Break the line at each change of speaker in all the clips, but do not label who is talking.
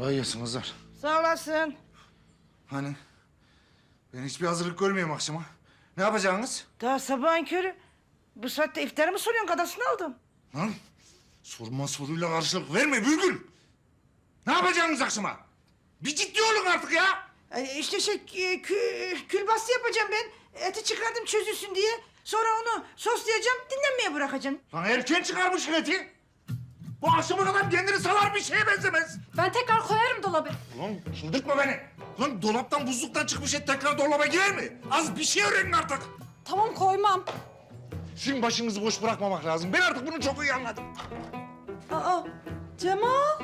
Kolay gelsin kızlar.
Sağ olasın.
Hani ben hiçbir hazırlık görmüyorum akşama. Ne yapacaksınız?
Daha sabahın körü. Bu saatte iftarı mı soruyorsun? Kadasını aldım.
Lan sorma soruyla karşılık verme Bülgül. Ne yapacaksınız akşama? Bir ciddi olun artık ya.
İşte külbastı yapacağım ben. Eti çıkardım çözülsün diye. Sonra onu soslayacağım, dinlenmeye bırakacağım.
Lan erken çıkarmışsın eti. Bu akşama kadar kendini salar bir şeye benzemez.
Ben tekrar koyarım dolaba.
Lan çıldırtma beni. Lan dolaptan buzluktan çıkmış et tekrar dolaba girer mi? Az bir şey öğrenin artık.
Tamam koymam.
Şimdi başınızı boş bırakmamak lazım. Ben artık bunu çok iyi anladım.
Aa Cemal.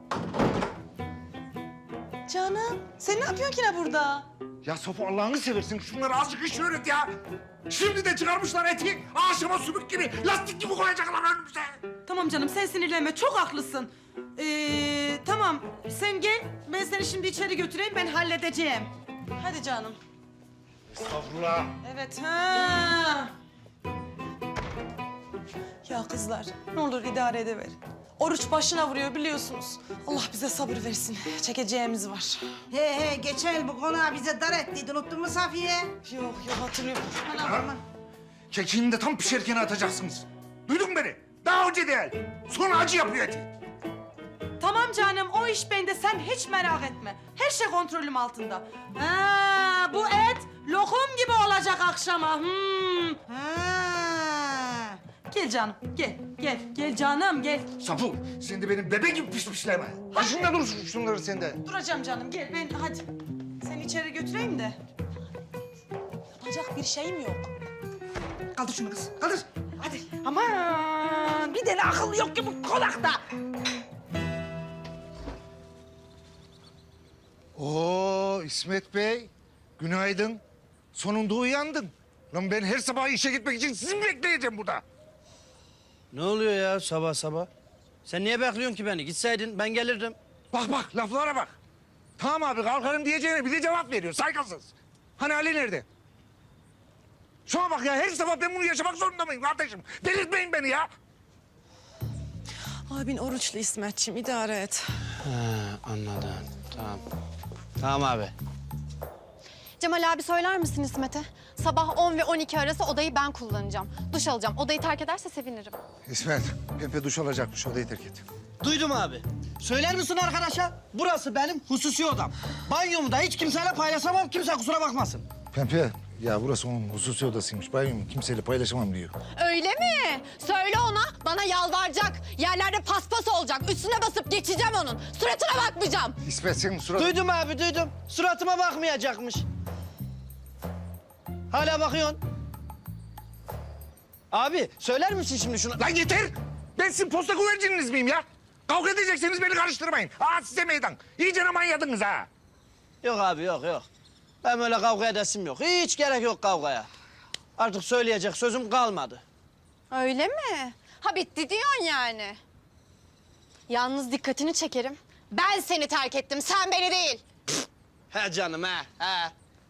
Canım sen ne yapıyorsun ki ne burada?
Ya Sofo Allah'ını seversin şunları azıcık iş öğret ya. Şimdi de çıkarmışlar eti. Ağaçıma sümük gibi, lastik gibi koyacaklar önümüze.
Tamam canım sen sinirlenme çok haklısın. Tamam sen gel ben seni şimdi içeri götüreyim ben halledeceğim. Hadi canım.
Estağfurullah.
Evet ha. Ya kızlar ne olur idare edever. Oruç başına vuruyor biliyorsunuz. Allah bize sabır versin. Çekeceğimiz var.
He geçen yıl bu konağı bize dar ettiydi. Unuttun mu Safiye?
Yok hatırlıyorum.
Ha? Kekiğini de tam pişerken atacaksınız. Duydun mu beni? Daha önce değil. Sonra acı yapıyor eti.
Tamam canım o iş bende sen hiç merak etme. Her şey kontrolüm altında. Ha, bu et lokum gibi olacak akşama.
Ha.
Gel canım gel canım gel.
Safu, sen de benim bebe gibi pişmişleme. Başında dursun şunları sen de.
Duracağım canım gel ben hadi. Seni içeri götüreyim de. Yapacak bir şeyim yok.
Kaldır şunu kız, kaldır. Hadi. Aman bir tane akıl yok ki bu konakta.
Oo İsmet Bey, günaydın. Sonunda uyandın. Lan ben her sabah işe gitmek için sizi mi bekleyeceğim burada?
Ne oluyor ya sabah sabah? Sen niye bekliyorsun ki beni? Gitseydin ben gelirdim.
Bak laflara bak. Tamam abi kalkarım diyeceğine bir de cevap veriyor saygısız. Hani Ali nerede? Şuna bak ya her sabah ben bunu yaşamak zorunda mıyım kardeşim? Delirtmeyin beni ya.
Abin oruçlu İsmetciğim idare et.
Ha, anladım. Tamam. Tamam abi.
Cemal abi söyler misin İsmet'e? Sabah 10 ve 12 arası odayı ben kullanacağım. Duş alacağım. Odayı terk ederse sevinirim.
İsmet, Pepe duş alacakmış odayı terk et.
Duydum abi. Söyler misin arkadaşa? Burası benim hususi odam. Banyomu da hiç kimseyle paylaşamam. Kimse kusura bakmasın.
Pempe, ya burası onun hususi odasıymış. Banyomu kimseyle paylaşamam diyor.
Öyle mi? Söyle ona. Bana yalvaracak. Yerlerde paspas olacak. Üstüne basıp geçeceğim onun. Suratına bakmayacağım.
İsmet senin surat...
Duydum abi duydum. Suratıma bakmayacakmış. Hala bakıyorsun. Abi söyler misin şimdi şunu?
Lan yeter! Ben sizin posta güvercininiz miyim ya? Kavga edecekseniz beni karıştırmayın. Aa size meydan. İyice manyadınız ha.
Yok abi yok. Ben öyle kavga edesim yok. Hiç gerek yok kavgaya. Artık söyleyecek sözüm kalmadı.
Öyle mi? Ha bitti diyorsun yani. Yalnız dikkatini çekerim. Ben seni terk ettim. Sen beni değil.
He canım he.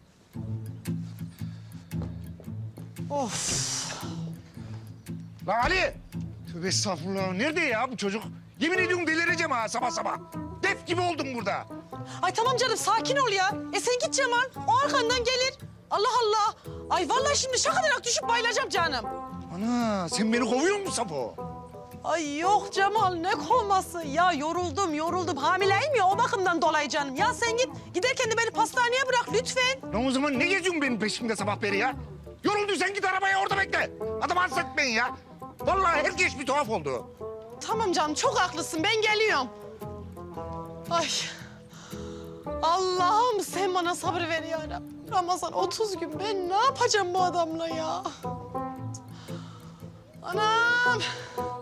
Lan Ali! Tövbe estağfurullah. Nerede ya bu çocuk? Yemin ediyorum delireceğim ha sabah sabah. Def gibi oldum burada.
Ay tamam canım sakin ol ya. Sen git Cemal. O arkandan gelir. Allah Allah. Ay vallahi şimdi şakadarak düşüp bayılacağım canım.
Ana sen beni kovuyor musun Safo?
Ay yok Cemal ne kovması ya yoruldum hamileyim ya o bakımdan dolayı canım. Ya sen git giderken de beni pastaneye bırak lütfen.
Lan o zaman ne geziyorsun benim peşimde sabah beri ya? Yorulduysan git arabaya orada bekle. Adam hasta etmeyin ya. Vallahi herkes bir tuhaf oldu.
Tamam canım çok haklısın ben geliyorum. Ay Allah'ım sen bana sabır ver ya Rabbim. Ramazan 30 gün ben ne yapacağım bu adamla ya? Anam.